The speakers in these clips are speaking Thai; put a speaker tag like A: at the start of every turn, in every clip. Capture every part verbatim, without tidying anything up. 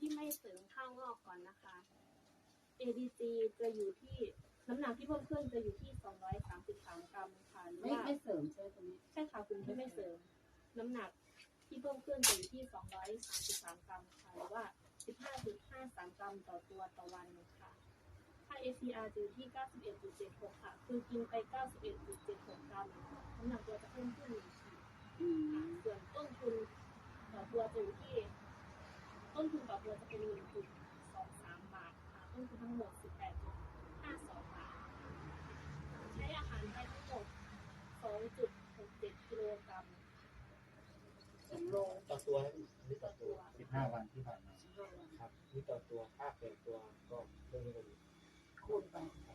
A: ที่ไม่เสริมข้าวงอกก่อนนะคะ เอ ดี จี จะอยู่ที่น้ำหนักที่เพิ่มขึ้นจะอยู่ที่สองร้อยสามสิบสามกรัมค่ะหรือ
B: ไม่
A: ว่า
B: ไม่เสริมใช่ไหมตรงนี้
A: ใช่ค่ะคุณที่ไม่เสริมน้ำหนักที่เพิ่มขึ้นจะอยู่ที่สองร้อยสามสิบสามกรัมค่ะหรือว่า สิบห้าจุดห้าสาม กรัมต่อตัวต่อวันค่ะค่า เอ ซี อาร์ จะอยู่ที่ เก้าสิบเอ็ดจุดเจ็ดหก ค่ะคือกินไป เก้าสิบเอ็ดจุดเจ็ดหก กรัมน้ำหนักตัวจะเพิ่มขึ้นหนึ่งขีดค่ะส่วนต้นทุนต่อตัวจะอยู่ที่ต้นทุนต่อตัวจะเป็น หนึ่งจุดสองสาม บาทค่ะต้นทุนทั้งหมด สิบแปดจุดห้าสอง บาทใช้อาหารไปทั้งหมด สองจุดหกเจ็ด กิโลกรัมสองโล
C: ต่อตัวนี่ต่อตัว
D: สิบห้าวันที่ผ่านมา
C: ครับนี่ต่อตัวค่าแปดตัวก็เรื่องนี้ก็ดี
B: คูณไป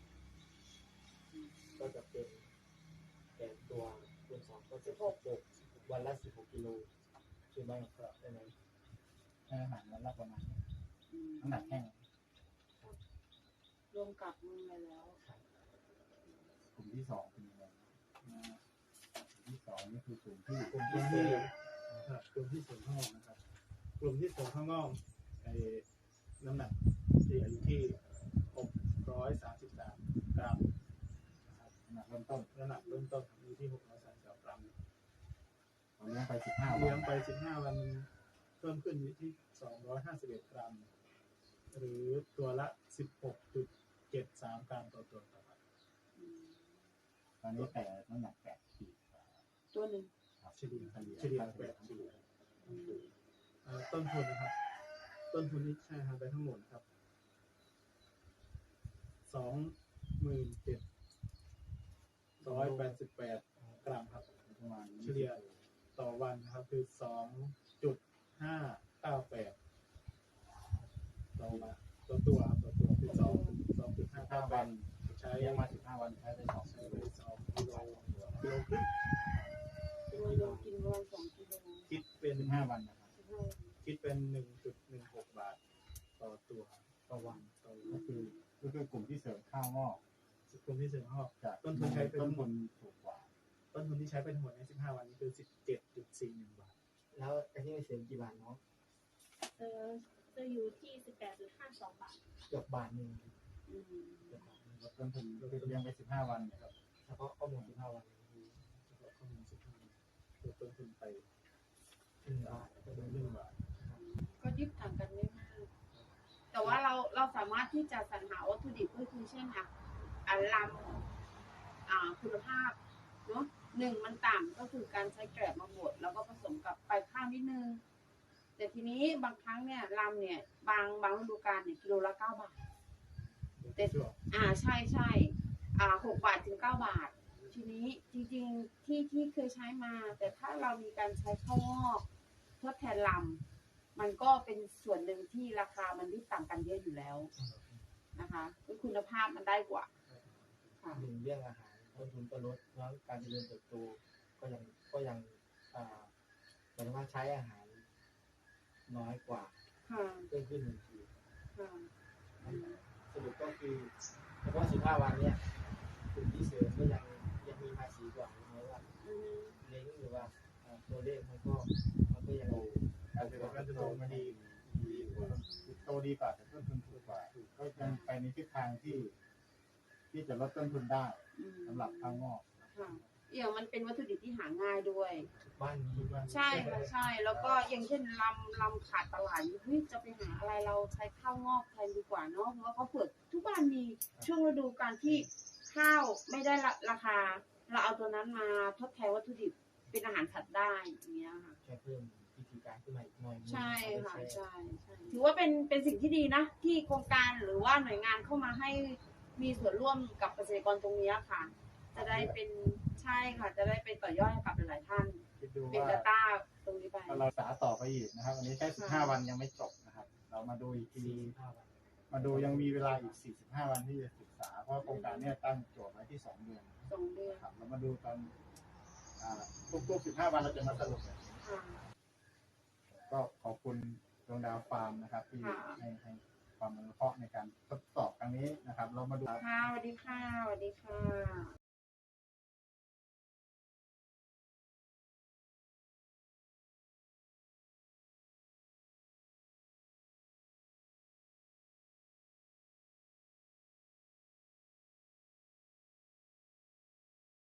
C: ก็จะเป็นแปดตัวคูณสองก็จะหกวันละสิบหกกิโลใช่ไหมครับใช่ไหม
D: ให้อาหารวันละประมาณนี้
B: อืม
D: น้ำหนักแห้ง
B: รวมกับมือไปแล้ว
D: กลุ่มที่สองเป็นยังไงนะกลุ่มที่สองนี่คือกลุ่มที่
C: กลุ่ม
E: กลุ่
C: ที่
E: ม
C: สี่
E: ที่กลุ่มที่เสริมข้างนอกนะครับ กลุ่มที่เสริมข้างนอกไอ้น้ำหนักที่อยู่ที่หกร้อยสามสิบสามกรัมนะครับ
D: น้ำหนักเริ่มต้น
E: น้ำหนักเริ่มต้นอยู่ที่หกร้อยสามสิบสามกรัม
D: เราเลี้ยงไปสิบห้าวั
E: เลี้ยง
D: น
E: ไปสิบห้าวันเพิ่มขึ้นอยู่ที่สองร้อยห้าสิบเอ็ดกรัม หรือตัวละสิบหกจุดเจ็ดสามกรัมต่อตัวต่อวัน
B: อืม
D: ตอนนี้แต่น้ำหนักแปดขีด
B: ตัวหนึ่ง
D: ครับ
E: เฉลี่ยเฉลี่ยแปดขีด
B: อืม
E: เอ่อต้นทุนนะครับ ต้นทุนที่ใช้อาหารไปทั้งหมดครับสองหมื่นเจ็ดร้อยแปดสิบแปดกรัมครับ
D: ประมาณ
E: เฉลี่ยต่อวันนะครับคือสองจุดห้าเก้าแปดต่อวันต่อตัวต่อตัวคือสองสองจุดห้า
D: ห้า
E: เก้าแป
D: วั
E: ด
D: น
E: ใช้
D: เลี้ยงมาสิบห้าวันใช้ไปสอง
E: ใช้
D: กิ
E: ไป
D: โล
E: สองกิโลกิโลครึ่ง
B: ตัวหนึ่งกินประมาณสองกิโล
E: คิดเป็น
D: สิบห้าวันนะครับ
B: สิบห้า
E: คิดเป็นหนึ่งจุดหนึ่งหกบาทต่อตัวต่อวันต่อ
D: ก็
E: วัน
D: คือก็คือกลุ่มที่เสริมข้าวงอก
E: กลุ่มที่เสริมหอก
D: จะ
E: ต้นทุนใช้เป็น
D: ต้นทุนถูกกว่า
E: ต้นทุนที่ใช้ไปทั้งหมดในสิบห้าวันนี้คือสิบเจ็ดจุดสี่หนึ่งบาท
C: แล้วไอ้ที่ไม่เสริมกี่บาทเนาะ
A: เออจะอยู่ที่ สิบแปดจุดห้าสอง บาท
C: เกือบบาทหนึ่ง
B: อืม
C: เกือบบาทหนึ่ง
D: ลดต้นทุนก็คือเลี้ยงไปสิบห้าวันเนี่ยครับ
C: เฉพาะข้อมูลสิบห้าวัน
E: เฉพาะข้อมูลสิบห้าวันลดต้นทุนไป
C: หนึ่งบาท
E: ประมาณหนึ่งบาท
B: ก็ยึดต่างกันไม่มาก แต่ว่าเราเราสามารถที่จะสรรหาวัตถุดิบก็คือเช่นอ่ะอ่ะลำอ่าคุณภาพเนาะหนึ่งมันต่ำก็คือการใช้แกลบมาบดแล้วก็ผสมกับไปข้าวนิดนึง แต่ทีนี้บางครั้งเนี่ยลำเนี่ยบางบางฤดูกาลเนี่ยกิโลละเก้าบาท
E: แต่ช่วง
B: อ่าใช่ใช่อ่าหกบาทถึงเก้าบาท ทีนี้จริงๆที่ที่เคยใช้มา แต่ถ้าเรามีการใช้ข้าวงอกทดแทนลำมันก็เป็นส่วนหนึ่งที่ราคามันที่ต่างกันเยอะอยู่แล้วนะคะคือคุณภาพมันได้กว่าค่ะ
C: หนึ่งเรื่องอาหารต้นทุนก็ลดแล้วการเจริญเติบโตก็ยังก็ยังอ่าหมายถึงว่าใช้อาหารน้อยกว่า
B: ค่ะ
C: เพิ่มขึ้นหนึ่งที
B: ค่ะอืม
C: สรุปก็คือเฉพาะสิบห้าวันเนี้ยกลุ่มที่เสริมก็ยังยังมีภาษีกว่าใช่ไหมว่า
B: อืม
C: เล้งหรือว่าอ่าตัวเลขมันก็มันก็ยัง
D: การเจริญเติบโตมันดีดีกว่าโตดีกว่าแต่ต้นทุนถูกกว่าก็ยังไปในทิศทางที่ ที่จะลดต้นทุนได้
B: อืม
D: สำหรับข้าวงอก
B: ค่ะอย่างมันเป็นวัตถุดิบที่หาง่ายด้วย
C: บ้านนี้
E: คิดว่า
B: ใช่ค่ะใช่ แล้วก็อย่างเช่นลำลำขาดตลาดอยู่เฮ้ยจะไปหาอะไรเราใช้ข้าวงอกแทนดีกว่าเนาะเพราะว่าเขาเปิดทุกบ้านมีช่วงฤดูการที่ข้าวไม่ได้ราคา เราเอาตัวนั้นมาทดแทนวัตถุดิบเป็นอาหารสัตว์ได้อย่างเงี้ยค่ะ
C: แค่เพิ่มวิธีการขึ้นมาอีกหน่อยนึง
B: ใช่ค่ะ
C: เอาไป
B: ใช่ใช่ถือว่าเป็นเป็นสิ่งที่ดีนะ ที่โครงการหรือว่าหน่วยงานเข้ามาให้มีส่วนร่วมกับเกษตรกรตรงนี้ค่ะ จะได้เป็นใช่ค่ะ จะได้เป็นต่อยอดให้กับหลายๆท่าน
D: คิดดู
B: เป็น
D: ว่า
B: Data ตรงนี้ไป
D: ถ้าเราศึกษาต่อไปอีกนะครับวันนี้แค่สิบห้าวันยังไม่จบนะครับ เรามาดูอีกที
C: สี่สิบห้าวัน
D: มาดูยังมีเวลาอีกสี่สิบห้าวันที่จะศึกษา เพราะโครงการเนี้ตั้งโจทย์ไว้ที่สองเดือน
B: สองเดือน
D: นะครับเรามาดูตอนอ่าทุกๆสิบห้าวันเราจะมาสรุปแบบนี้
B: ค่ะ
D: ก็ขอบคุณดวงดาวฟาร์มนะครับ ที่
B: ค่ะ
D: ให้ให้ความอนุเคราะห์ในการทดสอบครั้งนี้นะครับ เรามาดู
B: ค่ะสวัสดีค่ะสวัสดีค่ะ